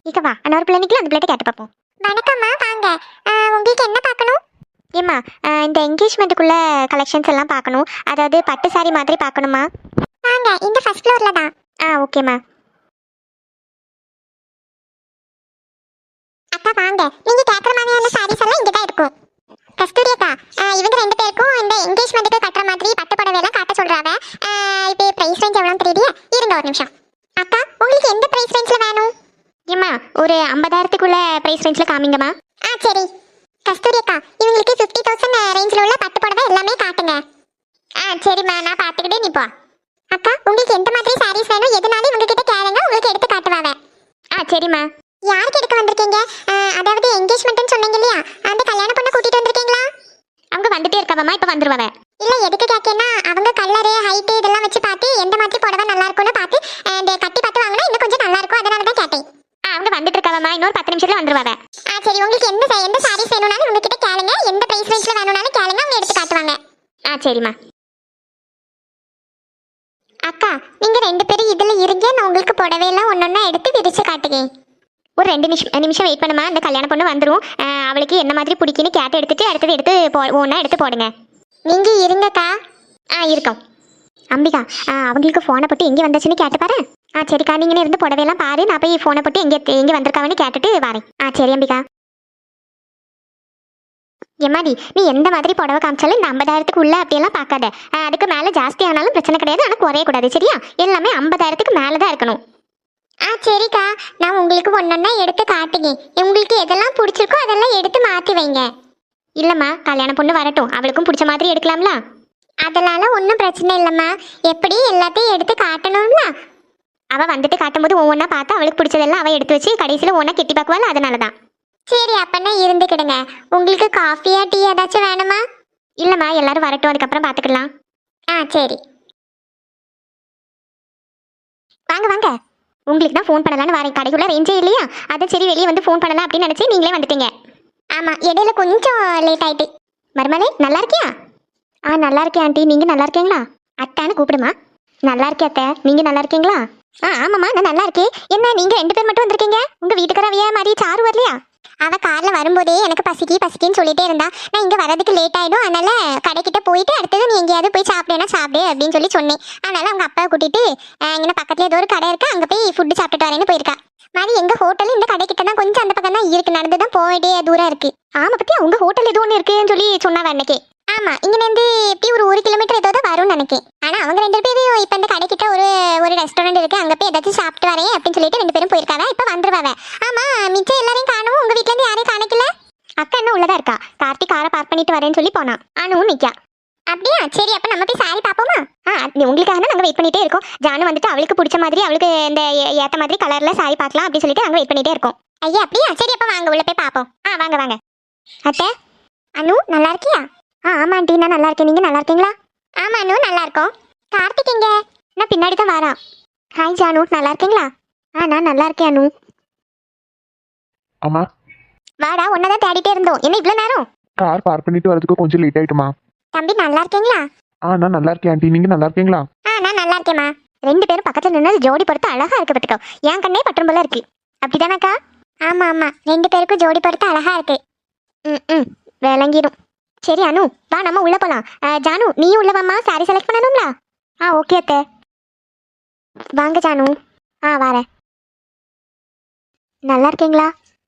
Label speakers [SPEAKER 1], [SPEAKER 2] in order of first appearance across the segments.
[SPEAKER 1] இக்க வா இன்னொரு பிள்ளை நிக்கல, அந்த பிள்ளைகிட்ட கேட்டு பார்ப்போம்.
[SPEAKER 2] வணக்கம்மா, வாங்க. உங்களுக்கு என்ன பார்க்கணும்?
[SPEAKER 1] ஏம்மா இந்த என்கேஜ்மெண்ட்டுக்குள்ள கலெக்ஷன்ஸ் எல்லாம் பார்க்கணும். அதாவது பட்டு சாரி மாதிரி பார்க்கணுமா?
[SPEAKER 2] வாங்க, இந்த ஃபர்ஸ்ட் ஃப்ளோர்ல தான்.
[SPEAKER 1] ஓகேம்மா.
[SPEAKER 2] அக்கா வாங்க, நீங்க கேட்குற மாதிரியான சாரீஸ் எல்லாம் இங்கே தான் இருக்கும். கஸ்தூரி அக்கா, இவங்க ரெண்டு பேருக்கும் இந்த என்கேஜ்மெண்ட்டுக்கு கட்டுற மாதிரி பட்டு புடவை எல்லாம் காட்ட சொல்றாங்க. இப்போ பிரைஸ் ரேஞ்ச் எவ்வளோன்னு தெரியுது? இருங்க ஒரு நிமிஷம். அக்கா, உங்களுக்கு எந்த பிரைஸ் ரேஞ்சில் வேணும்?
[SPEAKER 1] ஏம்மா ஒரு 50,000க்குள்ள ப்ரைஸ் ரேஞ்சில் காமிங்கம்மா.
[SPEAKER 2] சரி. கஸ்தூரி அக்கா, இவங்களுக்கு 50,000 ரேஞ்சில் உள்ள பட்டு புடவை எல்லாமே காட்டுங்க. சரிம்மா, நான் பார்த்துக்கிட்டே நிப்பா. அக்கா, உங்களுக்கு எந்த மாதிரி சாரீஸ் வேணும் எதுனாலும் இவங்க கிட்ட கேளுங்க, உங்களுக்கு எடுத்து காட்டுவாங்க.
[SPEAKER 1] சரிம்மா.
[SPEAKER 2] யாருக்கு எடுக்க வந்திருக்கீங்க? அதாவது என்கேஜ்மெண்ட்னு சொன்னீங்க இல்லையா, அந்த கல்யாண பொண்ணை கூட்டிட்டு வந்திருக்கீங்களா?
[SPEAKER 1] அவங்க வந்துட்டே இருக்காவம்மா, இப்போ வந்துருவாங்க.
[SPEAKER 2] இல்ல, எதுக்கு கேட்கேன்னா அவங்க கலரு ஹைட்டு இதெல்லாம் வச்சு பார்த்து எந்த மாதிரி புடவை நல்லா இருக்கும்னு பார்த்து இந்த கட்டி பார்த்து வாங்கினா இன்னும் கொஞ்சம் நல்லா இருக்கும், அதனால தான் கேட்டேன்.
[SPEAKER 1] அவங்க வந்துட்டு இருக்காவம்மா, இன்னொரு 10 நிமிஷத்துல வந்துருவாங்க.
[SPEAKER 2] சரி, உங்களுக்கு எந்த சாரீஸ் வேணும்னாலும் உங்ககிட்ட கேளுங்க, எந்த பிரைஸ் ரேஞ்சில் வேணும்னாலும் கேளுங்க, அவங்க எடுத்து காட்டுவாங்க.
[SPEAKER 1] சரிம்மா.
[SPEAKER 2] அக்கா, நீங்க ரெண்டு பேரும் இதுல இருங்க, நான் உங்களுக்கு புடவையெல்லாம் ஒன்னொன்னா எடுத்து விரிச்சு காட்டுவேன்.
[SPEAKER 1] ஒரு 2 நிமிஷம் வெயிட் பண்ணுமா, அந்த கல்யாண பொண்ணு வந்துடும். அவளுக்கு என்ன மாதிரி பிடிக்குன்னு கேட்டு எடுத்துட்டு அடுத்தது எடுத்து ஒன்றா எடுத்து போடுங்க.
[SPEAKER 2] நீங்க இருங்கக்கா.
[SPEAKER 1] இருக்கோம். அம்பிகா அவங்களுக்கு ஃபோனை போட்டு எங்கே வந்தாச்சுன்னு கேட்டு பாரு. சரிக்கா, நீங்களே இருந்து புடவையெல்லாம் பாரு, நான் போய் ஃபோனை போட்டு எங்கே வந்திருக்காங்கன்னு கேட்டுட்டு வரேன். சரி அம்பிகா. எம்மாடி, நீ எந்த மாதிரி புடவை காமிச்சாலும் இந்த 50,000க்கு உள்ள அப்படியெல்லாம் பார்க்காத. அதுக்கு மேலே ஜாஸ்தி ஆனாலும் பிரச்சனை கிடையாது, ஆனால் குறையக்கூடாது சரியா? எல்லாமே 50,000க்கு மேலே தான் இருக்கணும்.
[SPEAKER 2] சரிக்கா, நான் உங்களுக்கு ஒன்னொன்னா எடுத்து காட்டுங்க, உங்களுக்கு எதெல்லாம் பிடிச்சிருக்கோ அதெல்லாம் எடுத்து மாற்றி வைங்க.
[SPEAKER 1] இல்லைம்மா, கல்யாண பொண்ணு வரட்டும், அவளுக்கும் பிடிச்ச மாதிரி எடுக்கலாம்ல.
[SPEAKER 2] அதனால ஒன்றும் பிரச்சனை இல்லைம்மா, எப்படி எல்லாத்தையும் எடுத்து காட்டணும்ல.
[SPEAKER 1] அவள் வந்துட்டு காட்டும்போது ஒவ்வொன்றா பார்த்து அவளுக்கு பிடிச்சதெல்லாம் அவள் எடுத்து வச்சு கடைசியில் ஒன்றா கெட்டி பார்க்குவாள், அதனால தான்.
[SPEAKER 2] சரி, அப்பனா இருந்துக்கிடுங்க. உங்களுக்கு காஃபியா டீ ஏதாச்சும் வேணுமா?
[SPEAKER 1] இல்லைம்மா, எல்லாரும் வரட்டும், அதுக்கப்புறம் பார்த்துக்கலாம்.
[SPEAKER 2] சரி.
[SPEAKER 1] வாங்க வாங்க. உங்களுக்கு தான் ஃபோன் பண்ணலான்னு வரேன், கடைக்குள்ள ரேஞ்சே இல்லையா, அதான் சரி வெளியே வந்து ஃபோன் பண்ணலாம் அப்படின்னு நினச்சி நீங்களே வந்துட்டீங்க.
[SPEAKER 2] ஆமாம், இடையில கொஞ்சம் லேட் ஆயிட்டு.
[SPEAKER 1] மருமலே நல்லா இருக்கியா? நல்லா இருக்கேன் ஆண்டி, நீங்கள் நல்லா இருக்கீங்களா? அத்தான்னு கூப்பிடுமா. நல்லா இருக்கே அத்தை, நீங்கள் நல்லா இருக்கீங்களா? ஆமாம்மா, நான் நல்லா இருக்கேன். என்ன நீங்கள் 2 பேர் மட்டும் வந்திருக்கீங்க? உங்கள் வீட்டுக்காரவியா மாதிரி சாரு வரலையா?
[SPEAKER 2] அவள் காரில் வரும்போதே எனக்கு பசிக்குன்னு சொல்லிட்டே இருந்தா. நான் இங்கே வரதுக்கு லேட் ஆகிடும், அதனால கடைக்கிட்ட போயிட்டு அடுத்தது நீ எங்கேயாவது போய் சாப்பிடேன்னா சாப்பிடு அப்படின்னு சொல்லி சொன்னேன். அதனால அவங்க அப்பாவை கூட்டிட்டு இங்கே பக்கத்துல ஏதோ ஒரு கடை இருக்கு, அங்கே போய் ஃபுட்டு சாப்பிட்டுட்டு வரேன்னு போயிருக்கா. மாதிரி எங்கள் ஹோட்டல் இந்த கடைக்கிட்ட தான், கொஞ்சம் அந்த பக்கம் தான் இருக்கு, நடந்து தான் போயிட்டே தூரம் இருக்கு.
[SPEAKER 1] பற்றி உங்கள் ஹோட்டல் எதுவும் ஒன்று இருக்குன்னு சொல்லி சொன்னாவ அன்னைக்கே.
[SPEAKER 2] ஆமாம், இங்கேருந்து எப்படி ஒரு 1 கிலோமீட்டர் ஏதோ தான் வரும்னு நினைக்கேன். ஆனால் அவங்க 2 பேரும் இப்போ இந்த கடைக்கிட்ட ஒரு ரெஸ்டாரண்ட் இருக்கு, அங்கே போய் ஏதாச்சும் சாப்பிட்டு வரேன் அப்படின்னு சொல்லிட்டு 2 பேரும் போயிருக்காங்க. இப்போ வந்துருவாங்க. ஆமாம், மிச்சம் எல்லாரையும் காணும், உங்கள் வீட்டிலேருந்து யாரையும் காணிக்கல.
[SPEAKER 1] அக்கா என்ன உள்ளதா இருக்கா, கார்த்திக் காரை பார்க் பண்ணிட்டு வரேன்னு சொல்லி போனா. ஆனும் நிற்கா.
[SPEAKER 2] அப்படியா? சரி, அப்போ நம்ம போய் சாரி பார்ப்போமா?
[SPEAKER 1] உங்களுக்காக தான் நாங்கள் வெயிட் பண்ணிட்டே இருக்கோம். ஜானு வந்துட்டு அவளுக்கு பிடிச்ச மாதிரி, அவளுக்கு இந்த ஏற்ற மாதிரி கலரில் சாரி பார்க்கலாம் அப்படின்னு சொல்லிட்டு நாங்கள் வெயிட் பண்ணிட்டே இருக்கோம்.
[SPEAKER 2] ஐயா, அப்படியா? சரி, அப்போ வாங்க உள்ள போய் பார்ப்போம்.
[SPEAKER 1] வாங்க வாங்க.
[SPEAKER 2] அத்தை, அனு நல்லா இருக்கியா?
[SPEAKER 1] ஆமாம் ஆண்டி, நான் நல்லா இருக்கேன், நீங்கள் நல்லா இருக்கீங்களா?
[SPEAKER 2] ஆமாம் அனு, நல்லா இருக்கோம். கார்த்திக் எங்க?
[SPEAKER 1] நான் பின்னாடி தான் வரான். ஹாய் ஜானு, நல்லா இருக்கீங்களா? நான் நல்லா இருக்கேன் அனு.
[SPEAKER 3] அம்மா,
[SPEAKER 1] வாடா, ஒன்னதான் தேடிட்டே இருந்தோம், என்ன இவ்வளோ நேரம்?
[SPEAKER 3] கார் பார்க் பண்ணிட்டு வரதுக்கு கொஞ்சம் லேட் ஆயிட்டுமா.
[SPEAKER 2] தம்பி நல்லா இருக்கீங்களா?
[SPEAKER 3] நான் நல்லா இருக்கேன் ஆண்டி, நீங்க நல்லா இருக்கீங்களா?
[SPEAKER 2] நான் நல்லா இருக்கேம்மா.
[SPEAKER 1] 2 பேரும் பக்கத்தில் நின்று ஜோடி பொறுத்து அழகா இருக்கு பட்டுக்கோ, என் கண்ணே பட்டும் போல இருக்கு. அப்படிதானக்கா?
[SPEAKER 2] ஆமாம், 2 பேருக்கும் ஜோடி பொறுத்து அழகா இருக்கு.
[SPEAKER 1] விளங்கிடும். சரி அனு, வா நம்ம உள்ள போலாம். ஜானு நீ உள்ள வாமா, சாரி செலக்ட் பண்ணணும்ல. ஓகே அத்தை. வாங்க ஜானு. வரேன். நல்லா இருக்கீங்களா?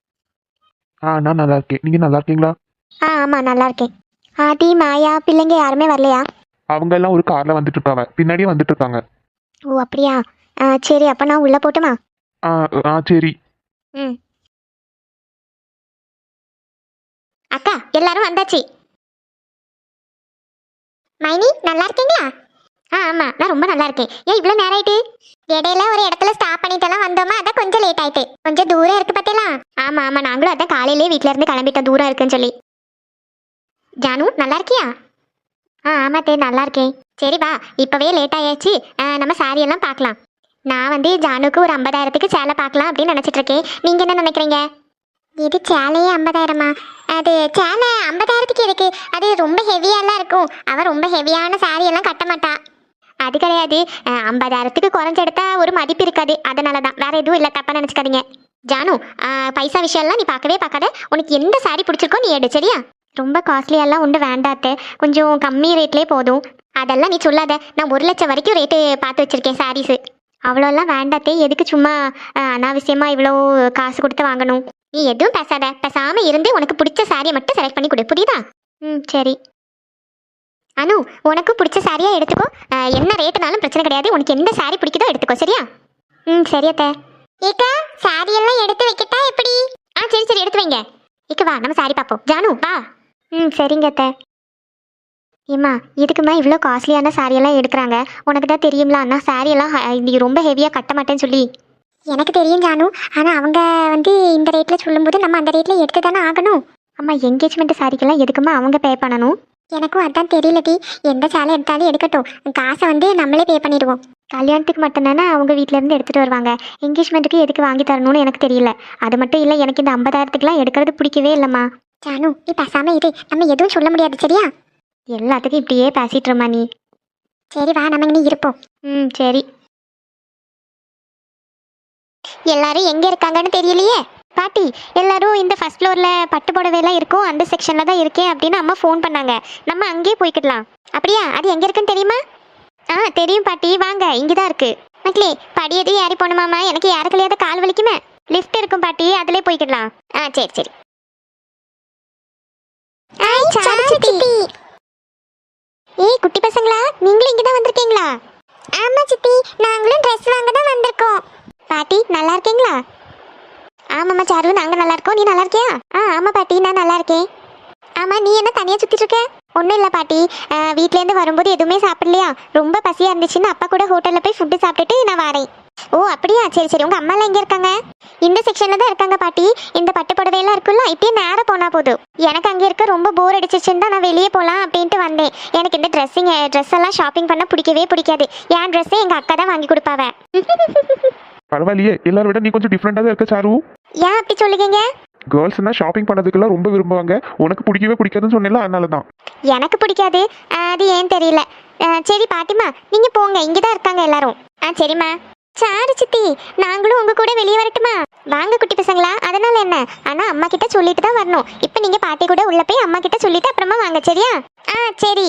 [SPEAKER 3] நான் நல்லா இருக்கேன், நீங்க நல்லா இருக்கீங்களா?
[SPEAKER 1] ஆமாம் நல்லா இருக்கேன். ஆதி மாயா பிள்ளைங்க யாருமே வரலையா?
[SPEAKER 3] அவங்க எல்லாம் ஒரு கார்ல வந்துட்டு இருக்காங்க, பின்னாடியே வந்துட்டு இருக்காங்க.
[SPEAKER 1] அப்படியா? சரி, அப்போ நான் உள்ள போட்டுமா?
[SPEAKER 3] சரி.
[SPEAKER 1] அக்கா எல்லாரும் வந்தாச்சு.
[SPEAKER 2] மைனி நல்லா இருக்கீங்களா?
[SPEAKER 1] ஆமாம், நான் ரொம்ப நல்லா இருக்கேன். ஏன் இவ்வளோ நேரம் ஆயிட்டு?
[SPEAKER 2] இடையில ஒரு இடத்துல ஸ்டாப் பண்ணிட்டெல்லாம் வந்தோமா, அதான் கொஞ்சம் லேட் ஆயிட்டு. கொஞ்சம் தூரம் இருக்கு பார்த்தீங்களா?
[SPEAKER 1] ஆமாம் நாங்களும் அதான் காலையிலேயே வீட்டில இருந்து கிளம்பிட்டோம், தூரம் இருக்குன்னு சொல்லி. ஜானு நல்லா இருக்கியா? ஆமாத்தே நல்லா இருக்கேன். சரி வா, இப்போவே லேட் ஆயாச்சு, நம்ம சாரி எல்லாம் பார்க்கலாம். நான் வந்து ஜானுக்கு ஒரு 50,000க்கு சேலை பார்க்கலாம் அப்படின்னு நினச்சிட்டு இருக்கேன். நீங்கள் என்ன நினைக்கிறீங்க?
[SPEAKER 2] இது சேலையே 50,000மா? அது சேலை 50,000க்கு இருக்கு, அது ரொம்ப ஹெவியாலாம் இருக்கும். அவள் ரொம்ப ஹெவியான சாரி எல்லாம் கட்ட மாட்டா.
[SPEAKER 1] அது கிடையாது, 50,000க்கு குறைஞ்செடுத்தா ஒரு மதிப்பு இருக்காது, அதனால தான், வேற எதுவும் இல்லை, தப்பா நினச்சிக்காதீங்க. ஜானு பைசா விஷயம்லாம் நீ பார்க்கவே பார்க்காத. உனக்கு எந்த சாரி பிடிச்சிருக்கோ நீ எடு சரியா. ரொம்ப காஸ்ட்லியெல்லாம் உண்டு வேண்டாத்த, கொஞ்சம் கம்மி ரேட்லேயே போதும். அதெல்லாம் நீ சொல்லாத, நான் 1,00,000 வரைக்கும் ரேட்டு பார்த்து வச்சிருக்கேன் சாரீஸு. அவ்வளோலாம் வேண்டாத்தே, எதுக்கு சும்மா அனாவசியமா இவ்வளோ காசு கொடுத்து வாங்கணும். நீ எதுவும் பேசாத, பேசாம இருந்து உனக்கு பிடிச்ச சாரியை மட்டும் செலக்ட் பண்ணி கொடு, புரியுதா? ம் சரி. அனு, உனக்கு பிடிச்ச சாரியா எடுத்துக்கோ. என்ன ரேட்டுனாலும் பிரச்சனை கிடையாது. உனக்கு எந்த சாரி பிடிக்குதோ எடுத்துக்கோ சரியா. ம் சரி அத்தை.
[SPEAKER 2] ஏக்கா சாரி எல்லாம் எடுத்து வைக்கட்டா எப்படி?
[SPEAKER 1] சரி சரி எடுத்து வைங்க. இக்கு வா நம்ம சாரி பார்ப்போம். ஜானு வா. ம் சரிங்க அத்தை. ஏம்மா இதுக்குமா இவ்வளோ காஸ்ட்லியான சாரியெல்லாம் எடுக்கிறாங்க? உனக்கு தான் தெரியும்ல அண்ணா, சாரியெல்லாம் இது ரொம்ப ஹெவியாக கட்ட மாட்டேன்னு சொல்லி.
[SPEAKER 2] எனக்கு தெரியும் ஜானு, ஆனா அவங்க இந்த ரேட்ல சொல்லும்போது நம்ம அந்த ரேட்ல எடுத்து தானே ஆகணும்.
[SPEAKER 1] அம்மா என்கேஜ்மெண்ட் சாரிக்கெல்லாம் எதுக்குமா அவங்க பே பண்ணணும்?
[SPEAKER 2] எனக்கும் அதான் தெரியலடி. எந்த சேலை எடுத்தாலும் எடுக்கட்டும், காசை நம்மளே பே பண்ணிடுவோம்.
[SPEAKER 1] கல்யாணத்துக்கு மட்டும்தானே அவங்க வீட்டிலேருந்து எடுத்துகிட்டு வருவாங்க. என்கேஜ்மெண்ட்டுக்கு எதுக்கு வாங்கி தரணும்னு எனக்கு தெரியல. அது மட்டும் இல்லை, எனக்கு இந்த 50,000த்துக்குலாம் எடுக்கிறது பிடிக்கவே இல்லைம்மா.
[SPEAKER 2] ஜானு நீ பேசாம இரு, நம்ம எதுவும் சொல்ல முடியாது சரியா.
[SPEAKER 1] எல்லாத்துக்கும் இப்படியே பேசிட்டுருமா நீ.
[SPEAKER 2] சரி வா நம்ம இனி இருப்போம்.
[SPEAKER 1] ம் சரி.
[SPEAKER 2] எல்லாரும் எங்க இருக்காங்கன்னு தெரியலையே.
[SPEAKER 1] பாட்டி எல்லாரும் இந்த ஃபர்ஸ்ட் ஃப்ளோரில் பட்டு புடவைலாம் இருக்கும் அந்த செக்ஷனில் தான் இருக்கேன் அப்படின்னு அம்மா ஃபோன் பண்ணாங்க. நம்ம அங்கேயே போய்க்கிடலாம்.
[SPEAKER 2] அப்படியா? அது எங்க இருக்குன்னு தெரியுமா?
[SPEAKER 1] தெரியும் பாட்டி, வாங்க இங்கே தான் இருக்கு.
[SPEAKER 2] மக்களே படி எதுவும் ஏறி போகணுமாமா? எனக்கு யாருக்குள்ளையாவது கால் வலிக்குமே.
[SPEAKER 1] லிஃப்ட் இருக்கும் பாட்டி, அதிலே போய்க்கிடலாம்.
[SPEAKER 2] சரி சரி. சித்தி. ஏய் குட்டி பசங்களா, நீங்களும் இங்க தான் வந்திருக்கீங்களா? ஆமா சித்தி, நாங்களும் ட்ரெஸ் வாங்க தான் வந்திருக்கோம்.
[SPEAKER 1] பாட்டி நல்லா இருக்கீங்களா?
[SPEAKER 2] ஆமாம்மா சாரு, நாங்க நல்லா இருக்கோம். நீ நல்லா இருக்கியா?
[SPEAKER 1] ஆமாம் பாட்டி நான் நல்லா இருக்கேன்.
[SPEAKER 2] ஆமா, நீ என்ன தனியா சுத்திட்டு இருக்க?
[SPEAKER 1] ஒன்றும் இல்லை பாட்டி, வீட்டிலேருந்து வரும்போது எதுவுமே சாப்பிடலையா, ரொம்ப பசியாக இருந்துச்சுன்னு அப்பா கூட ஹோட்டலில் போய் ஃபுட்டு சாப்பிட்டுட்டு நான் வரேன்.
[SPEAKER 2] ஓ அப்படியா? சரி சரி. உங்க அம்மாலாம் எங்க இருக்காங்க?
[SPEAKER 1] இந்த செக்ஷனில் தான் இருக்காங்க பாட்டி. இந்த பட்டு புடவையெல்லாம் இருக்குல்ல, இப்படியே நேராக போனால் போதும். எனக்கு அங்கே இருக்க ரொம்ப போர் அடிச்சிச்சுன்னு தான் நான் வெளியே போகலாம் அப்படின்ட்டு வந்தேன். எனக்கு இந்த ட்ரெஸ் எல்லாம் ஷாப்பிங் பண்ண பிடிக்கவே பிடிக்காது. என் ட்ரெஸ்ஸே எங்கள் அக்கா தான் வாங்கி கொடுப்பாவ.
[SPEAKER 3] பரவாயில்லையே, எல்லாரும் விட நீ கொஞ்சம் டிஃப்ரெண்டாக தான் இருக்க சாரு.
[SPEAKER 1] ஏன் அப்படி சொல்லுவீங்க?
[SPEAKER 3] கேர்ள்ஸ்னா ஷாப்பிங் பண்ணதுக்கெல்லாம் ரொம்ப விரும்புவாங்க. உனக்கு பிடிக்கவே பிடிக்காதுன்னு சொன்னேன்ல, அதனால தான்.
[SPEAKER 1] எனக்கு பிடிக்காது, அது ஏன் தெரியல. சரி பாட்டிமா நீங்கள் போங்க, இங்கே தான் இருக்காங்க எல்லாரும். சரிம்மா. சாரு சித்தி, நாங்களும் உங்க கூட வெளியே வரட்டுமா? வாங்க குட்டி பசங்களா, அதனால என்ன? ஆனா அம்மா கிட்ட சொல்லிட்டு தான் வரணும். இப்போ நீங்க பாட்டி கூட உள்ள போய் அம்மா கிட்ட சொல்லிட்டு அப்புறமா வாங்க சரியா? சரி.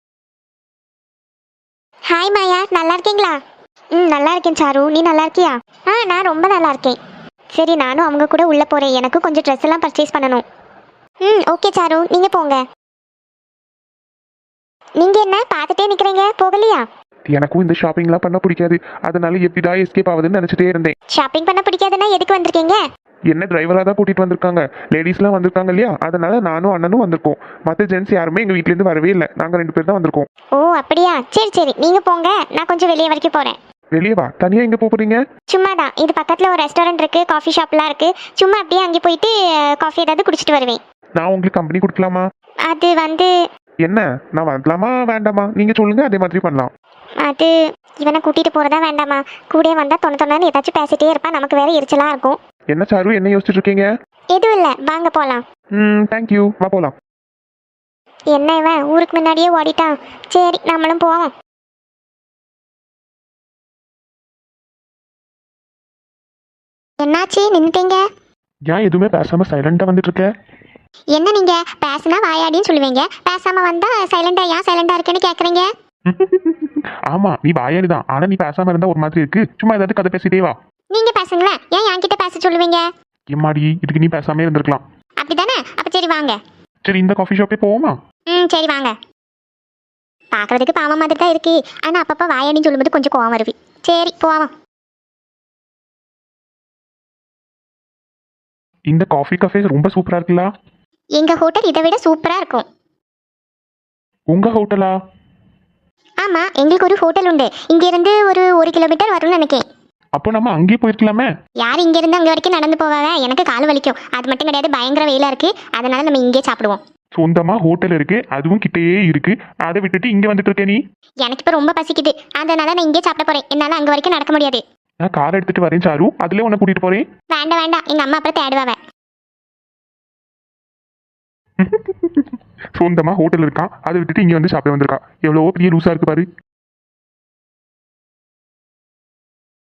[SPEAKER 1] ஹாய் மாயா, நல்லா இருக்கீங்களா? நல்லா இருக்கேன் சாரு, நீ நல்லா இருக்கியா? நான் ரொம்ப நல்லா இருக்கேன். சரி நானும் அவங்க கூட உள்ள போறேன், எனக்கு கொஞ்சம் ட்ரெஸ் எல்லாம் பர்ச்சேஸ் பண்ணணும். ஓகே சாரு, நீங்க போங்க. நீங்க என்ன பார்த்துட்டே நிக்கிறீங்க, போகலையா?
[SPEAKER 3] எனக்கும் இந்த ஷாப்பிங்லாம் பண்ண பிடிக்காது. அதனால எப்படிடா எஸ்கேப் ஆகுதுன்னு நினச்சிட்டே இருந்தேன்.
[SPEAKER 1] ஷாப்பிங் பண்ண பிடிக்காதுன்னா எதுக்கு வந்திருக்கீங்க?
[SPEAKER 3] என்ன டிரைவராக தான் கூட்டிகிட்டு வந்திருக்காங்க. லேடிஸ்லாம் வந்திருக்காங்க இல்லையா, அதனால நானும் அண்ணனும் வந்திருக்கோம். மற்ற ஜென்ஸ் யாருமே எங்கள் வீட்டிலேருந்து வரவே இல்லை. நாங்கள் 2 பேர் தான் வந்திருக்கோம்.
[SPEAKER 1] ஓ அப்படியா? சரி சரி, நீங்க போங்க, நான் கொஞ்சம் வெளியே வரைக்கும் போறேன்.
[SPEAKER 3] வெளியே வா. தனியாக எங்கே போகிறீங்க?
[SPEAKER 1] சும்மா தான், இது பக்கத்தில் ஒரு ரெஸ்டாரண்ட் இருக்கு, காஃபி ஷாப்லாம் இருக்கு. சும்மா அப்படியே அங்கே போயிட்டு காஃபி ஏதாவது குடிச்சிட்டு வருவேன்.
[SPEAKER 3] நான் உங்களுக்கு கம்பெனி கொடுக்கலாமா?
[SPEAKER 1] அது வந்து
[SPEAKER 3] என்ன, நான் வரலாமா வேண்டாமா? நீங்கள் சொல்லுங்கள், அதே மாதிரி பண்ணலாம்.
[SPEAKER 1] அது இவனை கூட்டிட்டு போறதா வேண்டாமா? கூட வந்தா தொண்ணு ஏதாச்சும் பேசிட்டே இருப்பான், நமக்கு வேற எரிச்சலா இருக்கும்.
[SPEAKER 3] என்ன சாரு, என்ன யோசிச்சுட்டு இருக்கீங்க?
[SPEAKER 1] எதுவும் இல்லை, வாங்க போலாம்.
[SPEAKER 3] தேங்க்யூ, வா போகலாம்.
[SPEAKER 1] என்ன இவன் ஊருக்கு முன்னாடியே ஓடிட்டான். சரி நம்மளும் போவோம். என்னாச்சு நின்னுட்டீங்க?
[SPEAKER 3] ஏன் எதுவுமே பேசாமல் சைலண்டாக வந்துட்டு இருக்க?
[SPEAKER 1] என்ன நீங்க பேசுனா வாயாடின்னு சொல்லுவீங்க, பேசாம வந்தா சைலண்டா ஏன் சைலண்டா இருக்கேன்னு கேக்குறீங்க?
[SPEAKER 3] ஆமா, நீ வாயாடி தான். ஆனால் நீ பேசாமல் இருந்தால் ஒரு மாதிரி இருக்கு. சும்மா ஏதாவது கதை பேசிட்டே வா.
[SPEAKER 1] நீங்க பேசுங்களேன், ஏன் என்கிட்ட பேச சொல்லுவீங்க?
[SPEAKER 3] எம்மாடி, இதுக்கு நீ பேசாமே இருந்திருக்கலாம்.
[SPEAKER 1] அப்படிதானே? அப்ப சரி வாங்க.
[SPEAKER 3] சரி, இந்த காஃபி ஷாப்பே போவோமா?
[SPEAKER 1] சரி வாங்க. பாக்குறதுக்கு பாவம் மாதிரி தான் இருக்கு, ஆனா அப்பப்ப வாயாடின்னு சொல்லும்போது கொஞ்சம் கோவம் வருவி. சரி போவோம்.
[SPEAKER 3] இந்த காஃபி கஃபே ரொம்ப சூப்பரா இருக்குல்ல?
[SPEAKER 1] எங்க ஹோட்டல் இதை விட சூப்பரா இருக்கும்.
[SPEAKER 3] உங்க ஹோட்டலா?
[SPEAKER 1] ஆமா, எங்களுக்கு ஒரு ஹோட்டல் உண்டு. இங்க இருந்து ஒரு 1 கிலோமீட்டர் வரும்னு நினைக்கிறேன்.
[SPEAKER 3] அப்போ நம்ம அங்கேயே போயிருக்கலாமே.
[SPEAKER 1] யார் இங்க இருந்து அங்க வரைக்கும் நடந்து போவாங்க? எனக்கு கால் வலிக்கும். அது மட்டும் கிடையாது, பயங்கர வெயிலா இருக்கு. அதனால நம்ம இங்கே சாப்பிடுவோம்.
[SPEAKER 3] சொந்தமா ஹோட்டல் இருக்கு, அதுவும் கிட்டேயே இருக்கு. அதை விட்டுட்டு இங்க வந்துட்டு இருக்க நீ?
[SPEAKER 1] எனக்கு இப்ப ரொம்ப பசிக்குது, அதனால நான் இங்கே சாப்பிட போறேன். என்னால அங்க வரைக்கும் நடக்க முடியாது.
[SPEAKER 3] நான் கார் எடுத்துட்டு வரேன் சாரு, அதுல உன்னை கூட்டிட்டு போறேன்.
[SPEAKER 1] வேண்டாம் வேண்டாம், எங்க அம்மா அப்புறம் தேடுவாவ.
[SPEAKER 3] சொந்தமா ஹோட்டல் இருக்கா, அதை விட்டுட்டு இங்க வந்து சாப்பிட வந்திருக்கா. எவ்வளவோ பெரிய லூசா இருக்கு பாரு.